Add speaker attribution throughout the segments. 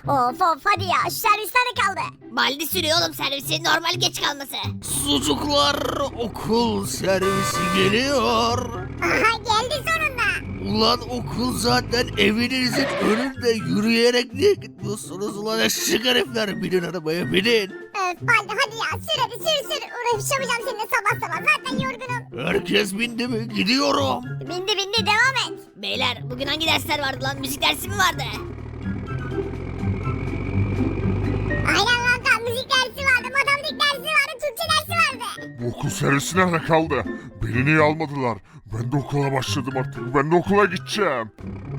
Speaker 1: Of of hadi ya şu servisler de kaldı.
Speaker 2: Baldi sürüyor oğlum servisi, normal geç kalması.
Speaker 3: Sucuklar, okul servisi geliyor.
Speaker 1: Aha geldi sonunda.
Speaker 3: Ulan okul zaten evinizin önünde, yürüyerek niye gitmiyorsunuz ulan eşek herifler? Binin arabaya binin.
Speaker 1: Öf Baldi hadi ya sür hadi sür. Uğraşamayacağım seninle sabah sabah zaten yorgunum.
Speaker 3: Herkes bindi mi? Gidiyorum.
Speaker 1: Bindi devam et.
Speaker 2: Beyler bugün hangi dersler vardı lan? Müzik dersi mi vardı?
Speaker 1: Aynen kanka müzik dersi vardı, matematik dersi vardı, Türkçe dersi vardı.
Speaker 4: Bu okul servisi nerede kaldı? Beni niye almadılar? Ben de okula başladım artık. Ben de okula gideceğim.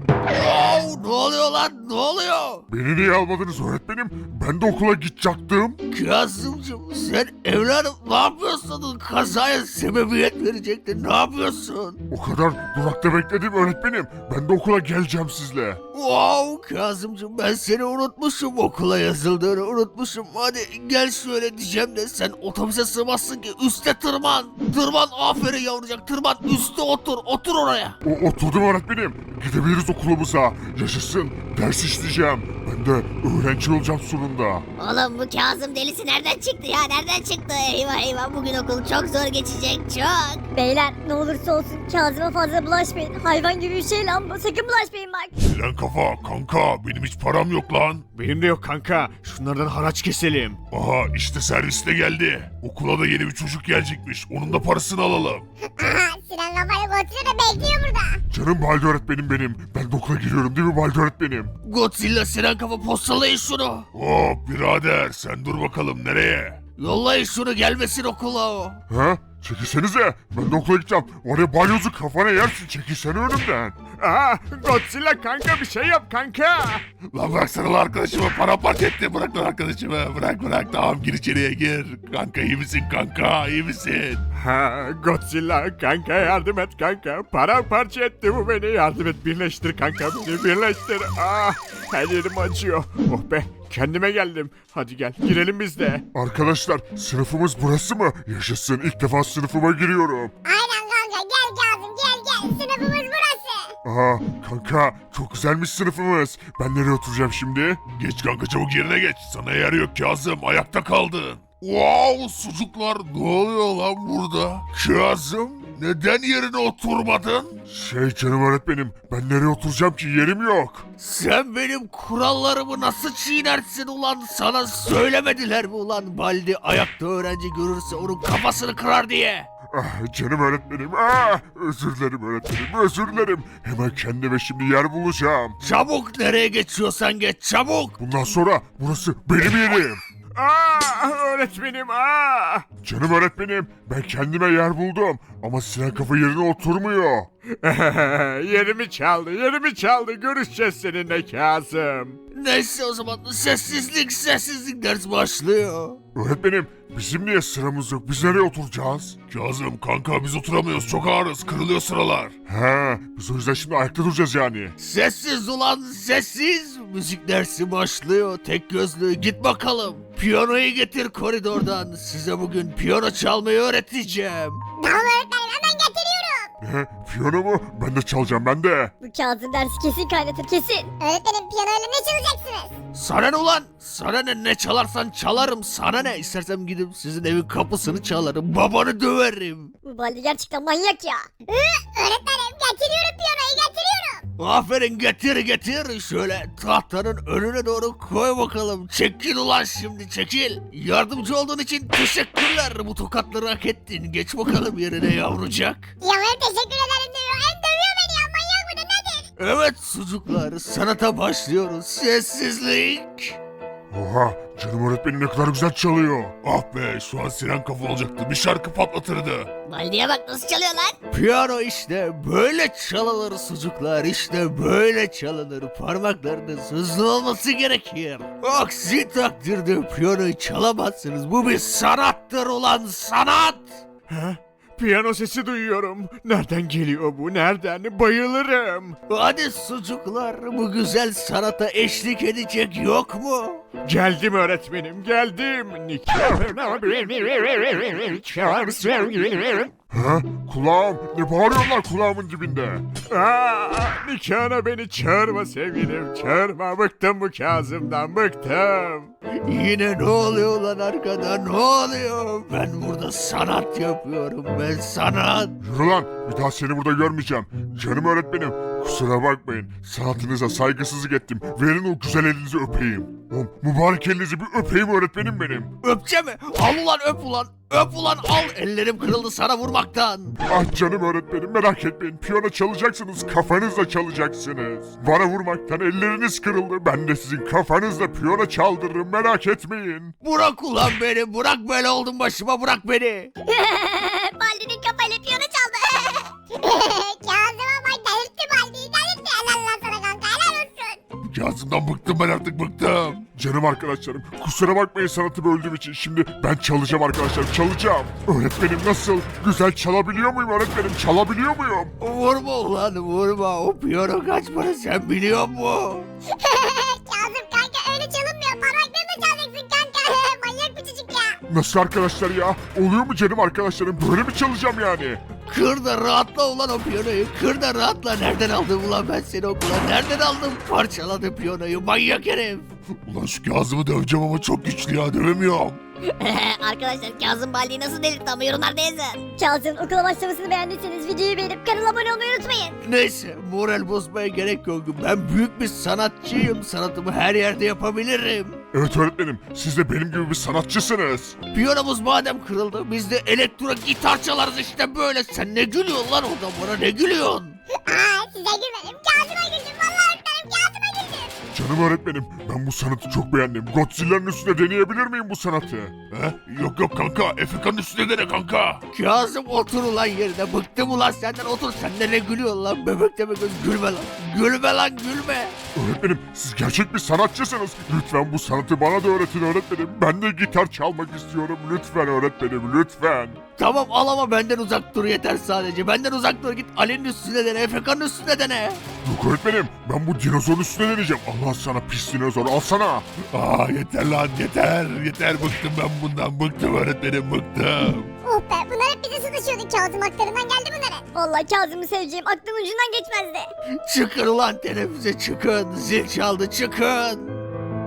Speaker 3: Wow, ne oluyor lan? Ne oluyor?
Speaker 4: Beni niye almadınız öğretmenim? Ben de okula gidecektim.
Speaker 3: Kazımcığım sen evladım ne yapıyorsun? Kazaya sebebiyet verecektin. Ne yapıyorsun?
Speaker 4: O kadar durakta bekledim öğretmenim. Ben de okula geleceğim sizle.
Speaker 3: Wow Kazımcığım ben seni unutmuşum. Okula yazıldığını unutmuşum. Hadi gel şöyle diyeceğim de sen otobüse sığmazsın ki. Üste tırman. Tırman aferin yavrucak tırman. Üste otur. Otur oraya.
Speaker 4: Oturdum öğretmenim. Gidebiliriz okulumuza. Yaşasın. Ders işleyeceğim. Ben de öğrenci olacağım sonunda.
Speaker 2: Oğlum bu Kazım delisi nereden çıktı ya? Nereden çıktı? Eyvah eyvah bugün okul çok zor geçecek çok.
Speaker 1: Beyler ne olursa olsun Kazım'a fazla bulaşmayın. Hayvan gibi bir şey lan bu, sakın bulaşmayın bak.
Speaker 4: Siren kafa kanka benim hiç param yok lan.
Speaker 5: Benim de yok kanka. Şunlardan haraç keselim.
Speaker 4: Aha işte servis de geldi. Okula da yeni bir çocuk gelecekmiş. Onun da parasını alalım.
Speaker 1: Aha Sinan kafayla Godzilla da bekliyor burada.
Speaker 4: Canım Baldi öğretmenim benim. Ben de okula giriyorum değil mi Baldi öğretmenim?
Speaker 3: Godzilla Sinan kafa postalayın şunu.
Speaker 4: Hop birader sen dur bakalım nereye?
Speaker 3: Yollayın şunu gelmesin okula o.
Speaker 4: Ha? Çekilsenize. Ben de okula gideceğim. Oraya balyozu kafana yersin. Çekilsene önümden.
Speaker 5: Aa, Godzilla kanka bir şey yap kanka.
Speaker 4: Lan bıraksana lan arkadaşımı. Paramparça etti. Bırak lan arkadaşımı. Bırak. Tamam gir içeriye gir. Kanka iyi misin kanka? İyi misin?
Speaker 5: Ha, Godzilla kanka yardım et kanka. Paramparça etti bu beni. Yardım et, birleştir kanka beni, birleştir. Ah, her yerim acıyor. Oh be, kendime geldim. Hadi gel girelim biz de. Arkadaşlar sınıfımız burası mı? Yaşasın, ilk defa sınıfıma giriyorum.
Speaker 1: Aynen kanka gel Kazım gel sınıfımız burası.
Speaker 4: Aha kanka çok güzelmiş sınıfımız. Ben nereye oturacağım şimdi? Geç kanka çabuk yerine geç. Sana yer yok Kazım, ayakta kaldın.
Speaker 3: Wow sucuklar ne oluyor lan burada? Kazım neden yerine oturmadın?
Speaker 4: Şey canım öğretmenim, ben nereye oturacağım ki, yerim yok.
Speaker 3: Sen benim kurallarımı nasıl çiğnersin ulan? Sana söylemediler mi ulan Baldi ayakta öğrenci görürse onun kafasını kırar diye?
Speaker 4: Ah, canım öğretmenim, özür dilerim öğretmenim, özür dilerim. Hemen kendime şimdi yer bulacağım.
Speaker 3: Çabuk nereye geçiyorsan geç çabuk.
Speaker 4: Bundan sonra burası benim yerim. Öğretmenim, Canım öğretmenim, ben kendime yer buldum. Ama Sinan kafa yerine oturmuyor. yerimi çaldı. Görüşeceğiz seninle Kazım.
Speaker 3: Neyse o zaman sessizlik ders başlıyor.
Speaker 4: Öğretmenim, bizim niye sıramız yok? Biz nereye oturacağız? Kazım kanka biz oturamıyoruz. Çok ağırız. Kırılıyor sıralar. He, biz o yüzden şimdi ayakta duracağız yani.
Speaker 3: Sessiz ulan sessiz. Müzik dersi başlıyor. Tek gözlü git bakalım. Piyanoyu getir koridordan. Size bugün piyano çalmayı öğreteceğim.
Speaker 1: Tamam öğretmenim hemen getiriyorum.
Speaker 4: Ne? Piyano mu? Ben de çalacağım ben de.
Speaker 1: Bu Kazım dersi kesin kaynatır kesin. Öğretmenim piyanoyla ne çalacaksınız?
Speaker 3: Sana ne ulan? Sana ne çalarsan çalarım. Sana ne? İstersem gidip sizin evin kapısını çalarım. Babanı döverim.
Speaker 1: Bu Baldi gerçekten manyak ya. Öğretmenim getiriyorum piyanoyu getiriyorum.
Speaker 3: Aferin getir. Şöyle tahtanın önüne doğru koy bakalım. Çekil ulan şimdi çekil. Yardımcı olduğun için teşekkürler. Bu tokatları hak ettin. Geç bakalım yerine yavrucak.
Speaker 1: Ya ben teşekkür ederim diyor. Hem dövüyor beni ya manyak mıdır nedir?
Speaker 3: Evet sucuklar sanata başlıyoruz. Sessizlik.
Speaker 4: Oha, canım öğretmenim ne kadar güzel çalıyor. Ah be, şu an Sinan kafa olacaktı. Bir şarkı patlatırdı.
Speaker 2: Baldi'ye bak nasıl çalıyor lan.
Speaker 3: Piyano işte böyle çalınır sucuklar. İşte böyle çalınır. Parmaklarınız hızlı olması gerekir. Aksi takdirde piyanoyu çalamazsınız. Bu bir sanattır ulan sanat.
Speaker 5: Piyano sesi duyuyorum. Nereden geliyor bu? Nereden? Bayılırım.
Speaker 3: Hadi sucuklar bu güzel sanata eşlik edecek yok mu?
Speaker 5: Geldim öğretmenim geldim.
Speaker 4: Ha? Kulağım. Ne bağırıyorlar kulağımın dibinde?
Speaker 5: Nikahına beni çağırma sevgilim çağırma. Bıktım bu Kazım'dan bıktım.
Speaker 3: Yine ne oluyor lan arkada, ne oluyor? Ben burada sanat yapıyorum, ben sanat.
Speaker 4: Yürü lan. Bir daha seni burada görmeyeceğim. Canım öğretmenim. Kusura bakmayın. Sanatınıza saygısızlık ettim. Verin o güzel elinizi öpeyim. O mübarek elinizi bir öpeyim öğretmenim benim.
Speaker 3: Öpçe mi? Al ulan öp ulan. Öp ulan al. Ellerim kırıldı sana vurmaktan.
Speaker 4: Ah canım öğretmenim merak etmeyin. Piyano çalacaksınız, kafanızla çalacaksınız. Bana vurmaktan elleriniz kırıldı. Ben de sizin kafanızla piyano çaldırırım merak etmeyin.
Speaker 3: Bırak ulan beni. Bırak böyle oldum başıma bırak beni.
Speaker 1: Baldi'nin kafayla piyano çaldı. Kazım'a bak delirtti Baldi'yi delirtti. Helal lan sana kanka helal olsun.
Speaker 4: Kazım'dan bıktım ben artık bıktım. Canım arkadaşlarım kusura bakmayın sanatı böldüğüm için. Şimdi ben çalacağım arkadaşlar çalacağım. Öğretmenim nasıl? Güzel çalabiliyor muyum öğretmenim? Çalabiliyor muyum?
Speaker 3: Vurma ulan vurma. O piyano kaç para sen biliyor musun?
Speaker 1: Kazım kanka öyle çalınmıyor. Parmaklarını çalacaksın kanka. Manyak bir çocuk ya.
Speaker 4: Nasıl arkadaşlar ya? Oluyor mu canım arkadaşlarım? Böyle mi çalacağım yani?
Speaker 3: Kır da rahatla ulan o piyanoyu. Kır da rahatla. Nereden aldım ulan ben seni okula? Nereden aldım? Parçaladı piyanoyu manyak herif.
Speaker 4: Ulan şu Kazım'ı döveceğim ama çok güçlü ya dövemiyorum.
Speaker 2: Arkadaşlar Kazım Baldi'yi nasıl delirtti ama yorumlarda yazın.
Speaker 1: Kazım okula başlamasını beğendiyseniz videoyu beğenip kanala abone olmayı unutmayın.
Speaker 3: Neyse moral bozmaya gerek yok. Ben büyük bir sanatçıyım. Sanatımı her yerde yapabilirim.
Speaker 4: Evet öğretmenim siz de benim gibi bir sanatçısınız.
Speaker 3: Piyanomuz madem kırıldı biz de elektro gitar çalarız işte böyle. Sen ne gülüyorsun lan orada bana ne gülüyorsun?
Speaker 1: Aa size gülmedim. Kazım'a güldüm. Vallahi öğretmenim Kazım'a güldüm.
Speaker 4: Canım öğretmenim ben bu sanatı çok beğendim. Godzilla'nın üstüne deneyebilir miyim bu sanatı? He? Yok kanka Efekan'ın üstüne dene kanka.
Speaker 3: Kazım otur ulan yerine. Bıktım ulan senden otur. Sen de ne gülüyorsun lan bebek deme göz gülme lan. Gülme lan gülme.
Speaker 4: Öğretmenim siz gerçek bir sanatçısınız. Lütfen bu sanatı bana da öğretin öğretmenim. Ben de gitar çalmak istiyorum. Lütfen öğretmenim lütfen.
Speaker 3: Tamam al ama benden uzak dur yeter sadece. Benden uzak dur git Ali'nin üstüne dene. Efekan'ın üstüne dene.
Speaker 4: Yok öğretmenim ben bu dinozorun üstüne deneyeceğim. Allah sana pis dinozor alsana. Yeter lan yeter. Yeter bıktım ben bundan. Bıktım öğretmenim bıktım.
Speaker 1: Oh be bunlar hep bize sataşıyordu. Kazım akllarından geldi bunlara. Vallahi Kazım'ı seveceğim aklımın ucundan geçmezdi.
Speaker 3: Çıkın ulan teneffüse çıkın. Zil çaldı çıkın.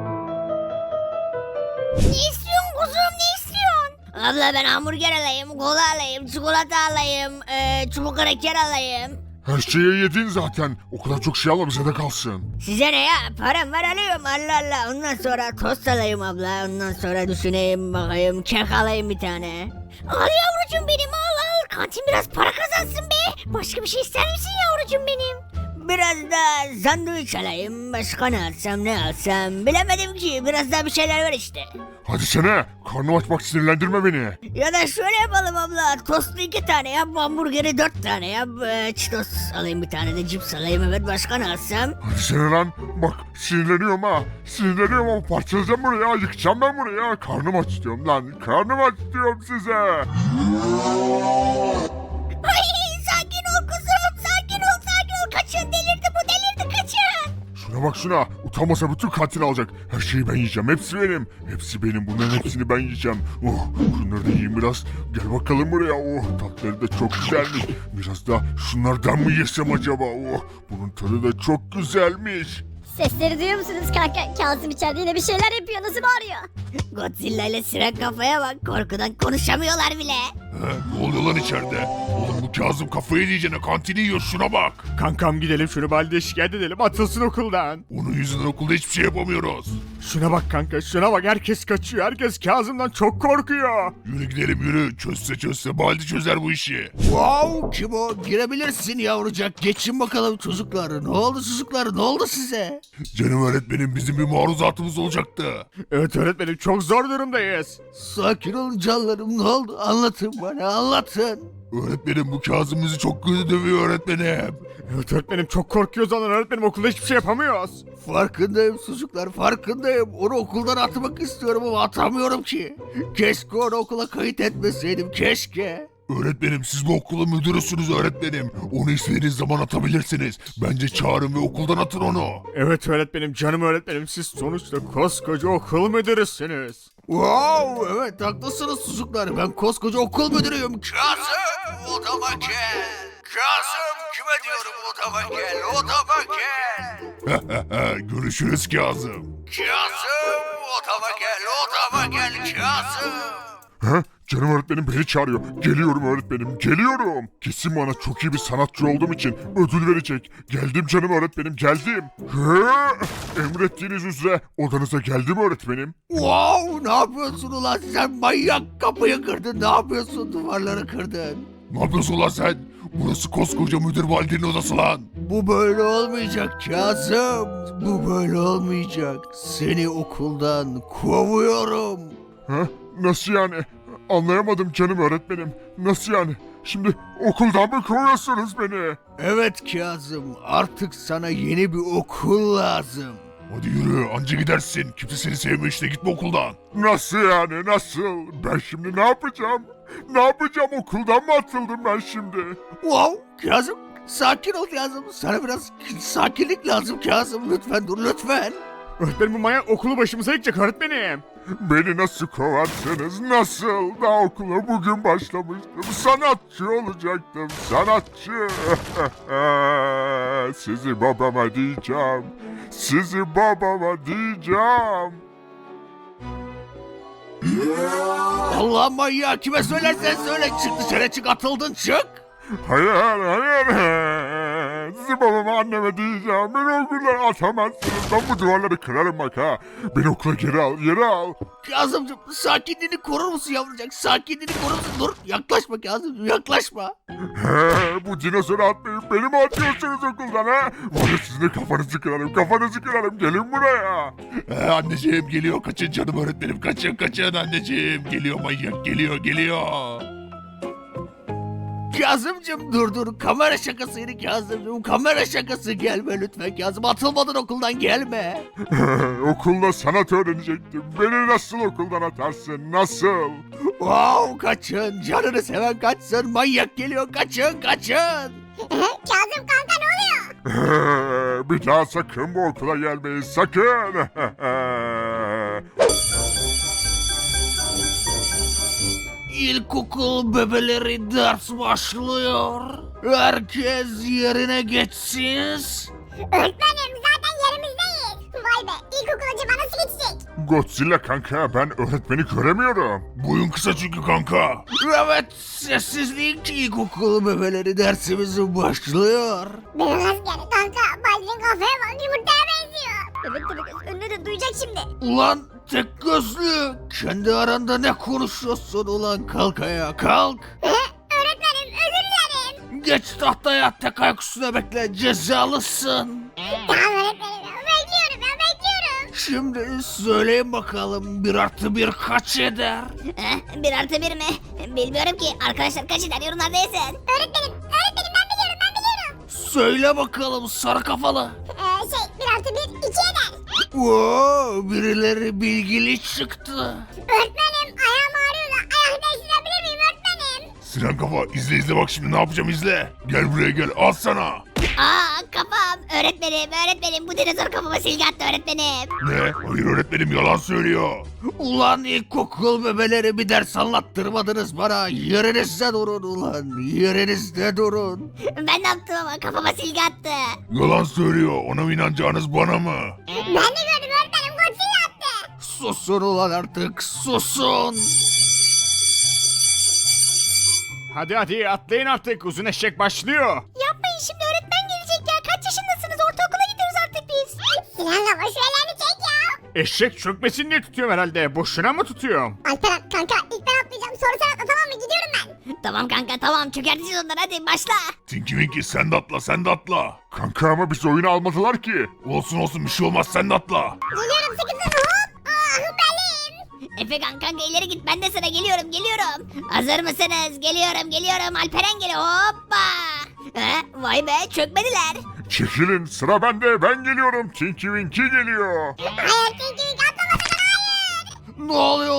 Speaker 1: Ne istiyorsun kuzum ne istiyorsun?
Speaker 2: Abla ben hamburger alayım, kola alayım, çikolata alayım, çubuk kraker alayım.
Speaker 4: Her şeyi yedin zaten. O kadar çok şey alma bize de kalsın.
Speaker 2: Size ne ya? Param var alıyorum Allah Allah. Ondan sonra tost alayım abla. Ondan sonra düşüneyim bakayım. Kek alayım bir tane. Al yavrucuğum benim al. Kantin biraz para kazansın be. Başka bir şey ister misin yavrucuğum benim? Biraz da sandviç alayım. Başka ne alsam ne alsam. Bilemedim ki. Biraz daha bir şeyler ver işte.
Speaker 4: Hadi sene. Karnım aç bak sinirlendirme beni.
Speaker 2: Ya da şöyle yapalım abla. Tostu 2 tane yap. Hamburgeri 4 tane yap. Çitos alayım bir tane de cips alayım. Evet başka ne alsam?
Speaker 4: Hadi sene lan. Bak sinirleniyorum ha. Sinirleniyorum ama parçalayacağım burayı ya. Yıkacağım ben burayı ya. Karnım aç diyorum lan. Karnım aç diyorum size.
Speaker 2: Ay sakin ol kuzum. Sakin ol sakin ol. Kaçın delirdi bu delirdi kaçın.
Speaker 4: Şuna bak şuna. Utanmasa bütün kantin alacak. Her şeyi ben yiyeceğim. Hepsi benim. Hepsi benim. Bunların hepsini ben yiyeceğim. Oh, şunları da yiyeyim biraz. Gel bakalım buraya. Oh, tatları da çok güzelmiş. Biraz da şunlardan mı yesem acaba? Oh, bunun tadı da çok güzelmiş.
Speaker 1: Sesleri duyuyor musunuz kanka? Kazım içeride yine bir şeyler yapıyor. Nasıl bağırıyor?
Speaker 2: Godzilla ile Siren kafaya bak. Korkudan konuşamıyorlar bile.
Speaker 4: Ne oluyor lan içeride? Oğlum bu Kazım kafayı yiyeceğine kantini yiyor şuna bak.
Speaker 5: Kankam gidelim şunu Baldi'ye şikayet edelim atılsın okuldan.
Speaker 4: Onun yüzünden okulda hiçbir şey yapamıyoruz.
Speaker 5: Şuna bak kanka şuna bak herkes kaçıyor herkes Kazım'dan çok korkuyor.
Speaker 4: Yürü gidelim yürü. Çözse Baldi çözer bu işi.
Speaker 3: Wow kim o? Girebilirsin yavrucak. Geçin bakalım çocuklar. Ne oldu çocuklar? Ne oldu size?
Speaker 4: Canım öğretmenim bizim bir maruzatımız olacaktı.
Speaker 5: Evet öğretmenim çok zor durumdayız.
Speaker 3: Sakin olun canlarım. Ne oldu? Anlatın bana anlatın.
Speaker 4: Öğretmenim bu Kazım bizi çok kötü dövüyor öğretmenim.
Speaker 5: Evet öğretmenim çok korkuyoruz ondan öğretmenim okulda hiçbir şey yapamıyoruz.
Speaker 3: Farkındayım çocuklar farkındayım. Onu okuldan atmak istiyorum ama atamıyorum ki. Keşke onu okula kayıt etmeseydim keşke.
Speaker 4: Öğretmenim siz bu okulun müdürüsünüz öğretmenim. Onu istediğiniz zaman atabilirsiniz. Bence çağırın ve okuldan atın onu.
Speaker 5: Evet öğretmenim, canım öğretmenim, siz sonuçta koskoca okul müdürüsünüz.
Speaker 3: Wow, evet haklısınız çocuklar. Ben koskoca okul müdürüyüm. Kazım odama gel. Kazım kime diyorum odama gel. Odama gel.
Speaker 4: Görüşürüz Kazım.
Speaker 3: Kazım odama gel. Odama gel Kazım.
Speaker 4: Ha? Canım öğretmenim beni çağırıyor. Geliyorum öğretmenim, geliyorum. Kesin bana çok iyi bir sanatçı olduğum için ödül verecek. Geldim canım öğretmenim, geldim. Ha? Emrettiğiniz üzere odanıza geldim öğretmenim.
Speaker 3: Wow, ne yapıyorsun ulan sen manyak, kapıyı kırdın. Ne yapıyorsun, duvarları kırdın.
Speaker 4: Ne yapıyorsun lan sen? Burası koskoca müdür validenin odası lan.
Speaker 3: Bu böyle olmayacak Kazım. Bu böyle olmayacak. Seni okuldan kovuyorum.
Speaker 4: Ha? Nasıl yani? Anlayamadım canım öğretmenim. Nasıl yani? Şimdi okuldan mı kovuyorsunuz beni?
Speaker 3: Evet Kazım, artık sana yeni bir okul lazım.
Speaker 4: Hadi yürü anca gidersin. Kimse seni sevmiyor işte gitme okuldan. Nasıl yani nasıl? Ben şimdi ne yapacağım? Ne yapacağım okuldan mı atıldım ben şimdi?
Speaker 3: Wow, Kazım, sakin ol Kazım. Sana biraz sakinlik lazım Kazım. Lütfen dur, lütfen.
Speaker 5: Öğretmenim, bu manyak okulu başımıza yıkacak öğretmenim.
Speaker 4: Beni nasıl kovarsınız nasıl? Daha okula bugün başlamıştım. Sanatçı olacaktım sanatçı. Sizi babama diyeceğim. Sizi babama diyeceğim.
Speaker 3: Allah manyağı, kime söylersen söyle. Çık dışarı, çık, atıldın, çık.
Speaker 4: Hayır hayır. Sizi babama anneme diyeceğim. Beni okuldan atamazsınız. Ben bu duvarları kırarım bak ha. Beni okula geri al geri al.
Speaker 3: Kazımcığım, sakinliğini korur musun yavrucak? Sakinliğini korur musun? Dur, yaklaşma Kazımcığım, yaklaşma.
Speaker 4: He, bu dinozoru atmayıp beni mi atıyorsunuz okuldan ha? Var ya sizin de kafanızı kırarım, gelin buraya. Anneciğim geliyor, kaçın canım öğretmenim, kaçın anneciğim. Geliyor manyak, geliyor.
Speaker 3: Kazımcığım dur, kamera şakasıydı Kazımcığım, kamera şakası. Gelme lütfen Kazım, atılmadan okuldan gelme.
Speaker 4: Okulda sanat öğrenecektim. Beni nasıl okuldan atarsın, nasıl?
Speaker 3: Wow, kaçın, canını seven kaçsın, manyak geliyor, kaçın.
Speaker 1: Kazım kanka ne oluyor?
Speaker 4: Bir daha sakın bu okula gelmeyin, sakın.
Speaker 3: İlkokul bebeleri ders başlıyor. Herkes yerine geçsin.
Speaker 1: Öğretmenim zaten yerimizdeyiz. Vay be ilkokul acaba nasıl geçecek?
Speaker 4: Godzilla kanka, ben öğretmeni göremiyorum. Boyun kısa çünkü kanka.
Speaker 3: Evet, sessizlik, ilkokul bebeleri dersimiz başlıyor.
Speaker 1: Beyaz asker kanka Baldi'nin kafaya bak yumurtaya benziyor. Evet tabii önüne de duyacak şimdi.
Speaker 3: Ulan tek gözlü, kendi aranda ne konuşuyorsun ulan, kalk ayağa, kalk.
Speaker 1: Öğretmenim özür dilerim.
Speaker 3: Geç tahtaya, tek ayak üstüne bekle, cezalısın.
Speaker 1: Tamam öğretmenim bekliyorum.
Speaker 3: Şimdi söyleyin bakalım, 1+1 kaç eder?
Speaker 1: 1+1 mi? Bilmiyorum ki arkadaşlar kaç eder yorumlarda yazın. Öğretmenim ben biliyorum.
Speaker 3: Söyle bakalım sarı kafalı.
Speaker 1: 1+1 2 eder.
Speaker 3: Oo, birileri bilgili çıktı.
Speaker 1: Öğretmenim ayağım ağrıyor da ayak değiştirebilir miyim öğretmenim?
Speaker 4: Sinan kafa izle bak şimdi ne yapacağım izle. Gel buraya gel al sana.
Speaker 1: Kafam. Öğretmenim bu dinozor kafama silgi attı öğretmenim.
Speaker 4: Ne? Hayır öğretmenim yalan söylüyor.
Speaker 3: Ulan ilkokul bebeleri, bir ders anlattırmadınız bana. Yerinizde durun ulan, yerinizde durun.
Speaker 1: Ben ne yaptım ama kafama silgi attı.
Speaker 4: Yalan söylüyor. Ona mı inanacağınız bana mı?
Speaker 1: Ben de gördüm öğretmenim Godzilla attı.
Speaker 3: Susun ulan artık, susun.
Speaker 5: Hadi atlayın artık, uzun eşek başlıyor.
Speaker 1: Yapmayın şimdi öğretmen gelecek ya. Kaç yaşındasınız? Ortaokula gidiyoruz artık biz. Sinan baba şu ellerini çek ya.
Speaker 5: Eşek çökmesin diye tutuyorum herhalde, boşuna mı tutuyorum?
Speaker 1: Alperen kanka ilk ben atlayacağım. Sonra sen atla tamam mı? Gidiyorum ben. Tamam kanka tamam. Çökerteceğiz onları hadi başla.
Speaker 4: Tinky Winky sen de atla. Kanka ama biz oyunu almadılar ki. Olsun bir şey olmaz sen de atla.
Speaker 1: Geliyorum sıkıntı hop. Belim. Efekan kanka ileri git ben de sana geliyorum. Hazır mısınız? Geliyorum. Alperen geliyor hoppa. Vay be çökmediler.
Speaker 4: Çekilin sıra bende ben geliyorum. Tinky Winky geliyor.
Speaker 1: Hayır Tinky Winky atlama sakın hayır.
Speaker 3: Ne oluyor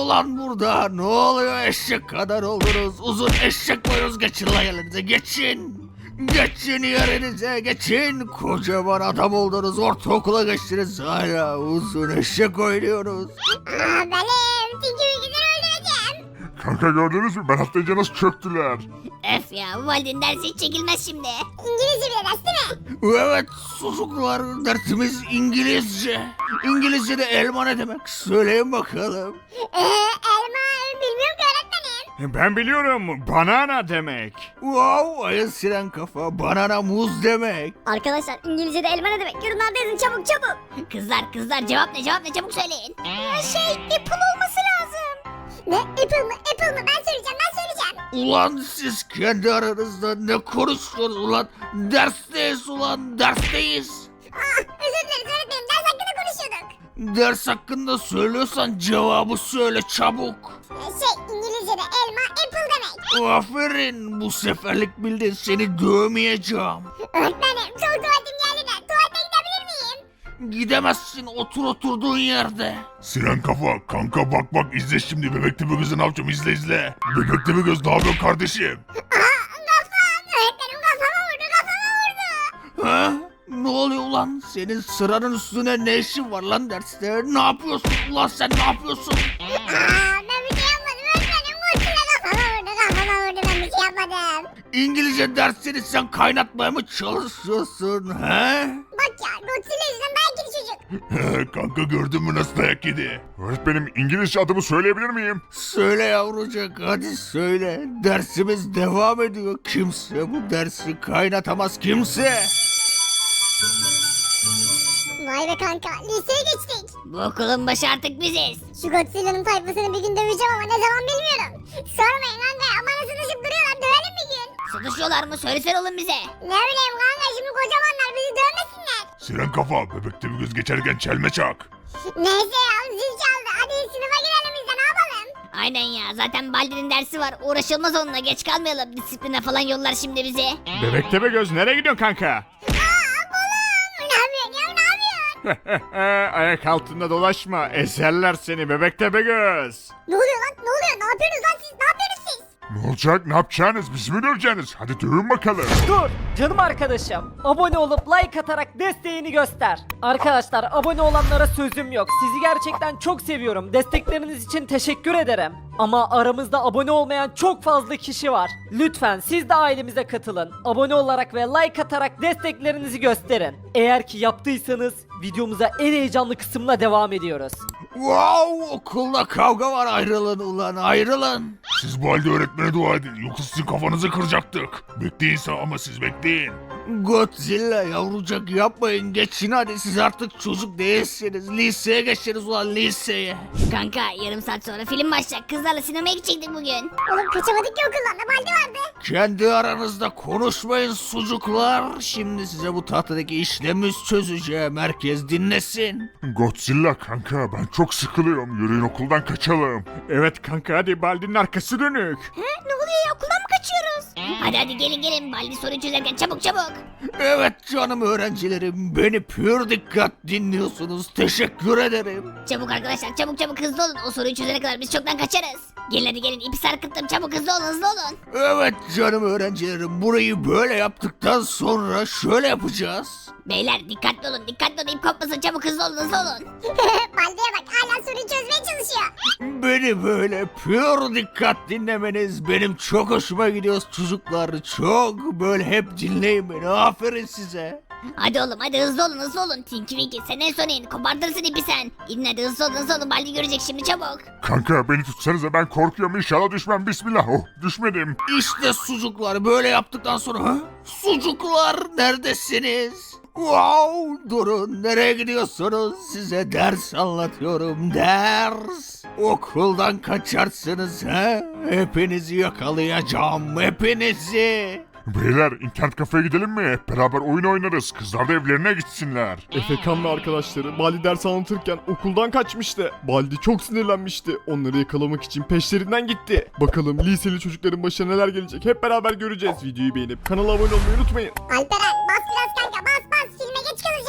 Speaker 3: ulan burada? Ne oluyor, eşek kadar oldunuz? Uzun eşek boyunuz, geçin lan yerinize, geçin. Geçin yerinize, geçin. Kocaman adam oldunuz, ortaokula geçtiniz, hala uzun eşek oynuyorsunuz.
Speaker 2: Benim Tinky Winky'leri öldüreceğim.
Speaker 4: Kanka gördünüz mü? Ben atlayınca nasıl çöktüler?
Speaker 1: Öf ya, bu Baldi'nin dersi hiç çekilmez şimdi.
Speaker 2: İngilizce bir ders değil mi?
Speaker 3: Evet çocuklar, dersimiz İngilizce. İngilizce'de elma ne demek? Söyleyin bakalım.
Speaker 2: Elma bilmiyorum ki öğretmenim.
Speaker 5: Ben biliyorum. Banana demek.
Speaker 3: Wow, ayın siren kafa, banana muz demek.
Speaker 2: Arkadaşlar İngilizce'de elma ne demek? Yorumlarda yazın çabuk çabuk.
Speaker 1: Kızlar cevap ne çabuk söyleyin.
Speaker 2: Apple olması lazım. Ne? Apple mı? Apple mı? Ben söyleyeceğim.
Speaker 3: Ulan siz kendi aranızda ne konuşuyorsunuz ulan? Dersteyiz ulan, dersteyiz.
Speaker 2: Özür dileriz öğretmenim. Ders hakkında konuşuyorduk.
Speaker 3: Ders hakkında söylüyorsan cevabı söyle çabuk.
Speaker 2: İngilizce'de elma apple demek.
Speaker 3: Aferin, bu seferlik bildin, seni dövmeyeceğim.
Speaker 2: Öğretmenim çok tuvaletim geldi de tuvalete gidebilir miyim?
Speaker 3: Gidemezsin, otur oturduğun yerde.
Speaker 4: Siren kafa, kanka bak izle şimdi, bebek tepe gözü ne yapacağım, izle. Bebek tepe göz ne yapıyorsun kardeşim?
Speaker 2: Kafam. Öğretmenim kafama vurdu.
Speaker 3: Ha? Ne oluyor ulan? Senin sıranın üstüne ne işin var lan derste? Ne yapıyorsun ulan, sen ne yapıyorsun?
Speaker 2: Ben bir şey yapmadım öğretmenim. Godzilla kafama vurdu. Ben bir şey yapmadım.
Speaker 3: İngilizce dersini sen kaynatmaya mı çalışıyorsun he?
Speaker 2: Bak ya Godzilla yüzünden dayak yedi çocuk.
Speaker 4: Kanka gördün mü nasıl dayak yedi? Öğretmenim İngilizce adımı söyleyebilir miyim?
Speaker 3: Söyle yavrucak, hadi söyle. Dersimiz devam ediyor. Kimse bu dersi kaynatamaz, kimse.
Speaker 2: Vay be kanka liseye geçtik.
Speaker 1: Bu okulun başı artık biziz.
Speaker 2: Şu Godzilla'nın tayfasını bir gün döveceğim ama ne zaman bilmiyorum. Sormayın kanka ama nasıl düşüp duruyorlar dövelim bir gün.
Speaker 1: Sıkışıyorlar mı? Söylesene oğlum bize.
Speaker 2: Ne bileyim kanka şimdi kocamanlar bizi dövmesinler.
Speaker 4: Siren kafa, bebek tepe göz geçerken çelme çak.
Speaker 2: Neyse ya zil çaldı hadi sınıfa girelim biz de ne yapalım.
Speaker 1: Aynen ya, zaten Baldi'nin dersi var. Uğraşılmaz onunla, geç kalmayalım. Disipline falan yollar şimdi bizi.
Speaker 5: Bebek tepe göz nereye gidiyorsun kanka?
Speaker 2: Ne yapıyorsun ya ne yapıyorsun?
Speaker 5: Ayak altında dolaşma. Eserler seni bebek tepe göz.
Speaker 2: Ne oluyor lan ne oluyor ne yapıyorsunuz lan siz ne yapıyorsunuz siz?
Speaker 4: Ne olacak, ne yapacaksınız, bizi mi döveceksiniz? Hadi dövün bakalım.
Speaker 6: Dur canım arkadaşım. Abone olup like atarak desteğini göster. Arkadaşlar abone olanlara sözüm yok. Sizi gerçekten çok seviyorum. Destekleriniz için teşekkür ederim. Ama aramızda abone olmayan çok fazla kişi var. Lütfen siz de ailemize katılın. Abone olarak ve like atarak desteklerinizi gösterin. Eğer ki yaptıysanız videomuza en heyecanlı kısımla devam ediyoruz.
Speaker 3: Wow, okulda kavga var, ayrılın ulan, ayrılın.
Speaker 4: Siz bu halde öğretmene dua edin, yoksa sizin kafanızı kıracaktık. Bekleyin ama siz bekleyin.
Speaker 3: Godzilla yavrucak yapmayın, geçin hadi, siz artık çocuk değilsiniz. Liseye geçeriz ulan, liseye.
Speaker 1: Kanka yarım saat sonra film başlayacak. Kızlarla sinemaya gidecektik bugün.
Speaker 2: Oğlum kaçamadık ki okuldan da baldi vardı.
Speaker 3: Kendi aranızda konuşmayın sucuklar. Şimdi size bu tahtadaki işlemi çözeceğim. Herkes dinlesin.
Speaker 4: Godzilla kanka, ben çok sıkılıyorum, yürüyün okuldan kaçalım.
Speaker 5: Evet kanka hadi Baldi'nin arkası dönük.
Speaker 1: Ne oluyor ya, okuldan mı kaçıyoruz? Hadi gelin Baldi soruyu çözerken çabuk.
Speaker 3: Evet canım öğrencilerim, beni pür dikkat dinliyorsunuz. Teşekkür ederim.
Speaker 1: Çabuk arkadaşlar, çabuk hızlı olun. O soruyu çözene kadar biz çoktan kaçarız. Gelin hadi gelin, ipi sarkıttım, çabuk hızlı olun.
Speaker 3: Evet canım öğrencilerim, burayı böyle yaptıktan sonra şöyle yapacağız.
Speaker 1: Beyler dikkatli olun, ip kopmasın, çabuk hızlı olun.
Speaker 2: Baldi'ye bak hala soruyu çözmeye çalışıyor.
Speaker 3: Beni böyle pür dikkat dinlemeniz benim çok hoşuma gidiyor çocuklar. Çok böyle hep dinleyin beni, aferin size.
Speaker 1: Hadi oğlum hadi hızlı olun. Tinky Winky sen en son in, kopartırsın ipi sen. İn hadi hızlı olun, Baldi görecek şimdi çabuk.
Speaker 4: Kanka beni tutsanıza, ben korkuyorum, inşallah düşmem, bismillah. Oh, düşmedim.
Speaker 3: İşte sucuklar böyle yaptıktan sonra sucuklar neredesiniz? Wow, durun, nereye gidiyorsunuz? Size ders anlatıyorum, ders. Okuldan kaçarsınız ha? Hepinizi yakalayacağım, hepinizi.
Speaker 4: Beyler internet kafeye gidelim mi? Hep beraber oyun oynarız, kızlar da evlerine gitsinler.
Speaker 5: Efekan ve arkadaşları Baldi ders anlatırken okuldan kaçmıştı. Baldi çok sinirlenmişti. Onları yakalamak için peşlerinden gitti. Bakalım liseli çocukların başına neler gelecek hep beraber göreceğiz. Videoyu beğenip kanala abone olmayı unutmayın.
Speaker 2: Alperen bas biraz kanka bas filme geç kalacağız.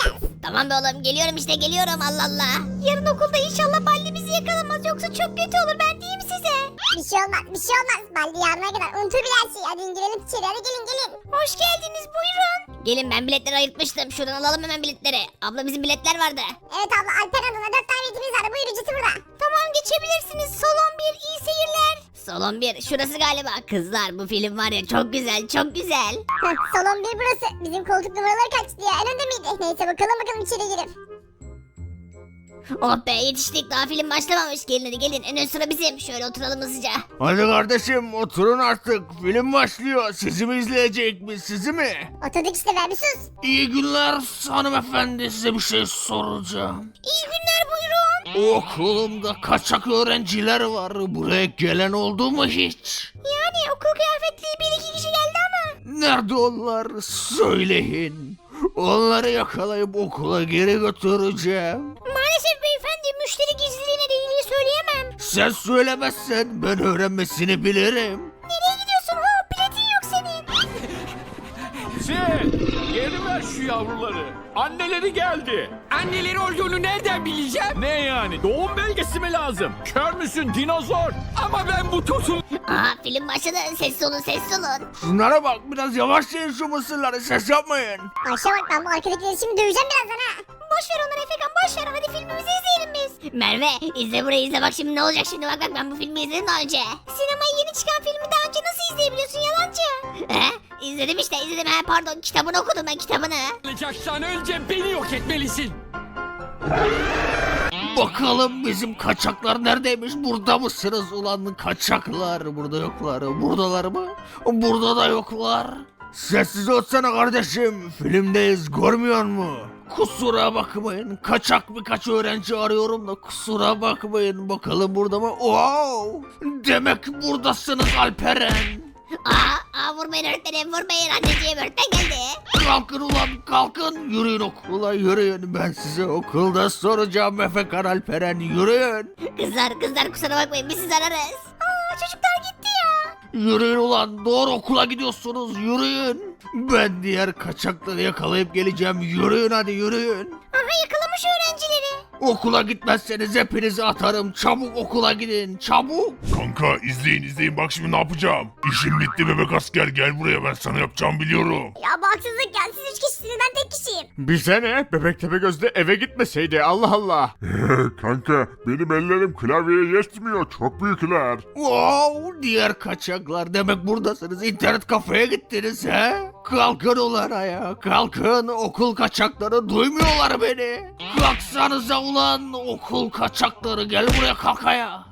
Speaker 1: Tamam be oğlum geliyorum işte geliyorum Allah Allah. Yarın okulda inşallah Baldi bizi yakalamaz yoksa çok kötü olur ben diyeyim size.
Speaker 7: Bir şey olmaz bir şey olmaz. Baldi yarına kadar unutur bile her şeyi. Hadi girelim içeri hadi gelin.
Speaker 1: Hoş geldiniz buyurun. Gelin ben biletleri ayırtmıştım şuradan alalım hemen biletleri. Abla bizim biletler vardı.
Speaker 7: Evet abla Alper adına 4 tane biletimiz var. Buyur ücreti burada.
Speaker 1: Tamam geçebilirsiniz salon 1 iyi seyirler. Salon 1 şurası galiba. Kızlar bu film var ya çok güzel çok güzel.
Speaker 7: Heh, salon 1 burası. Bizim koltuk numaraları kaçtı ya? En önde miydi? Neyse bakalım içeri girip.
Speaker 1: Oh be yetiştik daha film başlamamış. Gelin hadi gelin en ön sıra bizim. Şöyle oturalım hızlıca.
Speaker 3: Hadi kardeşim oturun artık. Film başlıyor. Sizi mi izleyecek mi? Sizi mi?
Speaker 7: Oturduk işte ver bir sus.
Speaker 3: İyi günler hanımefendi. Size bir şey soracağım.
Speaker 1: İyi günler buyurun.
Speaker 3: Okulumda kaçak öğrenciler var. Buraya gelen oldu mu hiç?
Speaker 1: Yani okul kıyafetli bir iki kişi geldi ama.
Speaker 3: Nerede onlar? Söyleyin. Onları yakalayıp okula geri götüreceğim.
Speaker 1: Maalesef beyefendi müşteri gizliliğine de ilgili söyleyemem.
Speaker 3: Sen söylemezsen ben öğrenmesini bilirim.
Speaker 1: Nereye gidiyorsun hop biletin yok senin.
Speaker 8: Sen geri ver şu yavruları. Anneleri geldi.
Speaker 9: Anneleri olduğunu nereden bileceğim?
Speaker 8: Ne yani doğum belgesi mi lazım? Kör müsün dinozor?
Speaker 9: Ama ben bu tosun...
Speaker 1: Aha film başladı sessiz olun sessiz olun.
Speaker 3: Şunlara bak biraz yavaşlayın şu mısırları ses yapmayın.
Speaker 7: Ayşe bak ben bu arkadakileri şimdi döveceğim birazdan ha.
Speaker 1: Boş ver onları Efekan boş ver hadi filmimizi izleyelim biz. Merve izle burayı izle bak şimdi ne olacak şimdi bak ben bu filmi izledim daha önce. Sinemaya yeni çıkan filmi daha önce nasıl izleyebiliyorsun yalancı? İzledim işte izledim pardon kitabını okudum ben kitabını.
Speaker 9: Alacaksan önce beni yok etmelisin.
Speaker 3: Bakalım bizim kaçaklar neredeymiş? Burada mısınız ulan kaçaklar? Burada yoklar. Buradalar mı? Burada da yoklar. Sessiz olsana kardeşim. Filmdeyiz görmüyor mu? Kusura bakmayın. Kaçak birkaç öğrenci arıyorum da kusura bakmayın. Bakalım burada mı? Wow! Demek buradasınız Alperen.
Speaker 1: Vurmayın öğretmenim vurmayın anneciğim öğretmen geldi.
Speaker 3: Kalkın ulan kalkın. Yürüyün okula yürüyün. Ben size okulda soracağım Efekan Alperen yürüyün.
Speaker 1: Kızlar kusura bakmayın biz sizi ararız. Çocuklar gitti ya.
Speaker 3: Yürüyün ulan doğru okula gidiyorsunuz yürüyün. Ben diğer kaçakları yakalayıp geleceğim yürüyün hadi yürüyün.
Speaker 1: Aha yakalamış öğrencileri.
Speaker 3: Okula gitmezseniz hepinizi atarım çabuk okula gidin çabuk.
Speaker 4: Kanka izleyin bak şimdi ne yapacağım. İşim bitti bebek asker gel buraya ben sana yapacağımı biliyorum.
Speaker 7: Ya bu haksızlık ya. Siz 3 kişisiniz ben tek kişiyim.
Speaker 5: Bize ne? Bebek Tepegöz'de eve gitmeseydi Allah Allah.
Speaker 4: Kanka benim ellerim klavyeye yetmiyor çok büyükler.
Speaker 3: Wow diğer kaçaklar demek buradasınız internet kafeye gittiniz he? Kalkın ulan ayağa kalkın okul kaçakları duymuyorlar beni. Kalksanıza ulan okul kaçakları gel buraya kalk ayağa.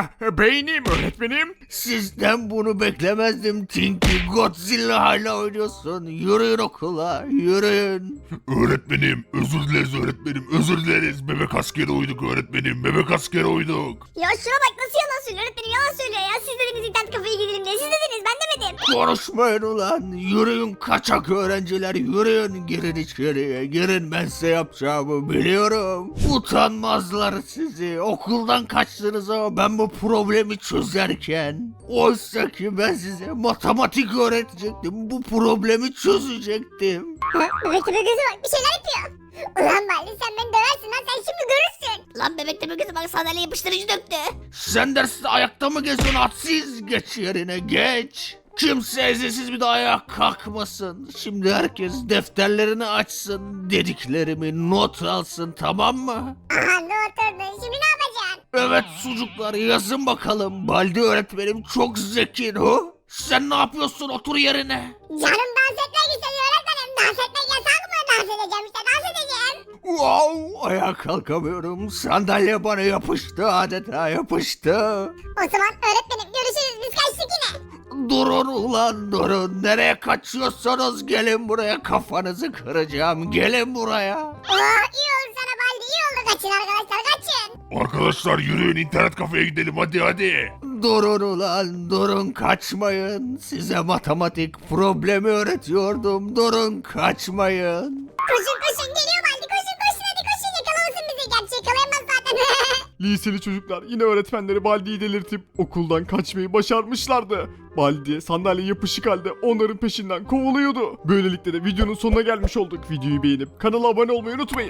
Speaker 5: Beynim öğretmenim.
Speaker 3: Sizden bunu beklemezdim Tinky. Godzilla hala oynuyorsun. Yürüyün okula, yürüyün.
Speaker 4: Öğretmenim özür dileriz öğretmenim özür dileriz. Bebek askeri uyduk öğretmenim bebek askeri uyduk.
Speaker 7: Ya şuna bak nasıl yalan söylüyor. Öğretmenim yalan söylüyor ya. Siz dediniz internet kafeye gidelim diye. Siz dediniz ben demedim.
Speaker 3: Konuşmayın ulan. Yürüyün kaçak öğrenciler, yürüyün. Girin içeriye, girin. Ben size yapacağımı biliyorum. Utanmazlar sizi. Okuldan kaçtınız ama ben bu problemi çözerken. Oysa ki ben size matematik öğretecektim. Bu problemi çözecektim.
Speaker 7: Bebek tepe gözü bak bir şeyler yapıyor. Ulan Baldi sen beni döversin lan sen şimdi görürsün.
Speaker 1: Lan bebek de gözü bak sandalye yapıştırıcı döktü.
Speaker 3: Sen derste ayakta mı geziyorsun hadsiz? Geç yerine geç. Kimse izinsiz bir daha ayağa kalkmasın. Şimdi herkes defterlerini açsın. Dediklerimi not alsın tamam mı?
Speaker 7: Aha ne oturdun şimdi ne yapacaksın?
Speaker 3: Evet sucuklar yazın bakalım. Baldi öğretmenim çok zeki o. Sen ne yapıyorsun otur yerine.
Speaker 7: Canım dans etmek istedi öğretmenim. Dans etmek yasak mı? Dans edeceğim işte dans edeceğim.
Speaker 3: Wow ayağa kalkamıyorum. Sandalye bana yapıştı adeta yapıştı.
Speaker 7: O zaman öğretmenim görüşürüz biz kaçtık yine.
Speaker 3: Durun ulan durun. Nereye kaçıyorsanız gelin buraya kafanızı kıracağım. Gelin buraya.
Speaker 7: İyi oldu sana Baldi iyi oldu kaçın arkadaşlar kaçın.
Speaker 4: Arkadaşlar yürüyün internet kafeye gidelim hadi.
Speaker 3: Durun ulan durun kaçmayın. Size matematik problemi öğretiyordum. Durun kaçmayın.
Speaker 7: Koşun geliyor Baldi koşun hadi koşun yakalamasın bizi. Gerçi yakalayamaz zaten.
Speaker 5: Liseli çocuklar yine öğretmenleri Baldi'yi delirtip okuldan kaçmayı başarmışlardı. Baldi sandalye yapışık halde onların peşinden kovuluyordu. Böylelikle de videonun sonuna gelmiş olduk. Videoyu beğenip kanala abone olmayı unutmayın.